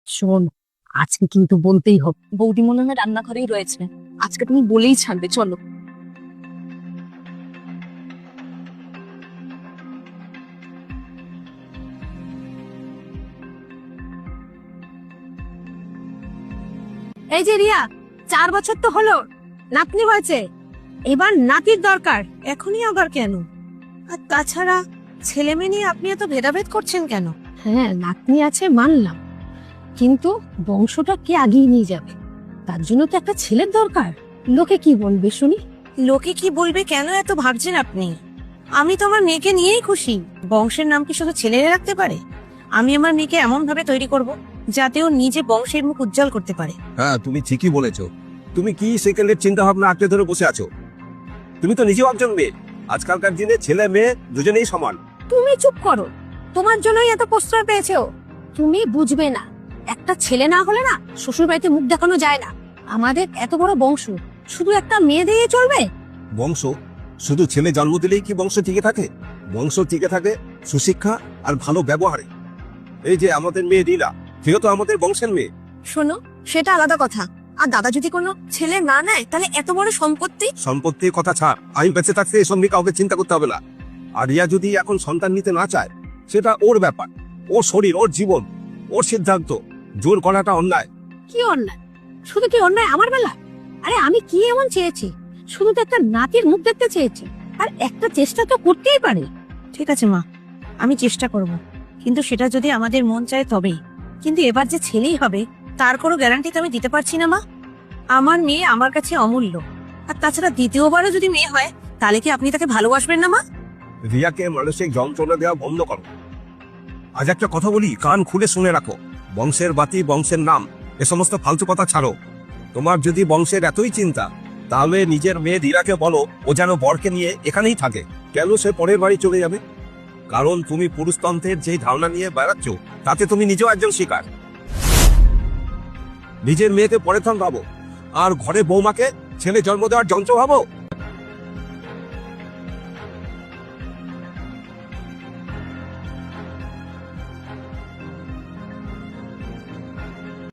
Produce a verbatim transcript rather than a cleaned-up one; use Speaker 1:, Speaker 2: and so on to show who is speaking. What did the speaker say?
Speaker 1: শোন, আজকে কিন্তু বলতেই হবে। বৌদি মনে হয় রান্নাঘরেই রয়েছে, আজকে তুমি বলেই ছাড়বে। চলো। এই যে রিয়া, চার বছর তো হলো নাতনি হয়েছে, এবার নাতির দরকার। এখনই আবার কেন? আর তাছাড়া ছেলে মেয়ে নিয়ে আপনি এত ভেদাভেদ করছেন কেন? হ্যাঁ, নাতনি আছে মানলাম, কিন্তু বংশটা কে আগিয়ে নিয়ে যাবে? তার জন্য তো একটা ছেলের দরকার। লোকে কি বলবে শুনি?
Speaker 2: লোকে কি বলবে কেন এত ভাবছেন আপনি? আমি তো আমার মেয়েকে নিয়েই খুশি। বংশের নাম কি শুধু ছেলেরা রাখতে পারে? আমি আমার মেয়েকে এমন ভাবে তৈরি করব যাতে ও নিজে বংশের মুখ উজ্জ্বল করতে পারে।
Speaker 3: হ্যাঁ, তুমি ঠিকই বলেছো। তুমি কি সেকেন্ডের চিন্তা ভাবনা আঁকড়ে ধরে বসে আছো? তুমি তো নিজেও একজন মেয়ে। আজকালকার দিনে ছেলে মেয়ে দুজনেই সমান।
Speaker 1: তুমি চুপ করো, তোমার জন্যই এত প্রশ্রয় পেয়েছে ও। তুমি বুঝবে না, একটা ছেলে না হলে না শ্বশুর বাড়িতে মুখ দেখানো যায় না। আমাদের এত বড় বংশ, শুধু একটা মেয়ে দিয়ে চলবে?
Speaker 3: বংশ শুধু ছেলে জন্ম দিলেই কি বংশ টিকে থাকে? বংশ টিকে থাকে সুশিক্ষা আর ভালো ব্যবহারে। এই যে আমাদের মেয়ে লীলা, সেও তো আমাদের বংশের মেয়ে।
Speaker 2: শোনো, সেটা আলাদা কথা। আর দাদা যদি কোনো ছেলে না নেয়, তাহলে এত বড় সম্পত্তি।
Speaker 3: সম্পত্তির কথা ছাড়, আমি বেঁচে থাকতে এসব নিয়ে কাউকে চিন্তা করতে হবে না। আর রিয়া যদি এখন সন্তান নিতে না চায়, সেটা ওর ব্যাপার, ওর শরীর, ওর জীবন, ওর সিদ্ধান্ত। জোর করাটা অন্যায়।
Speaker 1: কি অন্যায়? শুধু কি অন্যায় আমার বেলা? আরে আমি কি এমন চেয়েছি? শুধু তো একটা নাতির মুখ দেখতে চেয়েছি, আর একটা চেষ্টা তো করতেই পারে।
Speaker 2: ঠিক আছে মা, আমি চেষ্টা করব, কিন্তু সেটা যদি আমাদের মন চায় তবেই। কিন্তু এবার যে ছেলেই হবে তার কোনো গ্যারান্টি তো আমি দিতে পারছি না মা। আমার মেয়ে আমার কাছে অমূল্য। আর তাছাড়া দ্বিতীয়বারও যদি মেয়ে হয়, তাহলে কি আপনি তাকে ভালোবাসবেন না মা?
Speaker 3: রিয়াকে মানসিক যন্ত্রণা দেওয়া বন্ধ করো। আজ একটা কথা বলি, কান খুলে শুনে রাখো। বংশের বাতি, বংশের নাম, এ সমস্ত ফালতু কথা ছাড়ো। তোমার যদি বংশের এতই চিন্তা, তাহলে নিজের মেয়ে রিয়াকে বলো ও যেন বরকে নিয়ে এখানেই থাকে। কেন সে পরের বাড়ি চলে যাবে? কারণ তুমি পুরুষতন্ত্রের যে ধারণা নিয়ে বেড়াচ্ছ, তাতে তুমি নিজেও একজন শিকার। নিজের মেয়েকে পরের থান ভাবো, আর ঘরে বৌমাকে ছেলে জন্ম দেওয়ার যন্ত্র ভাবো।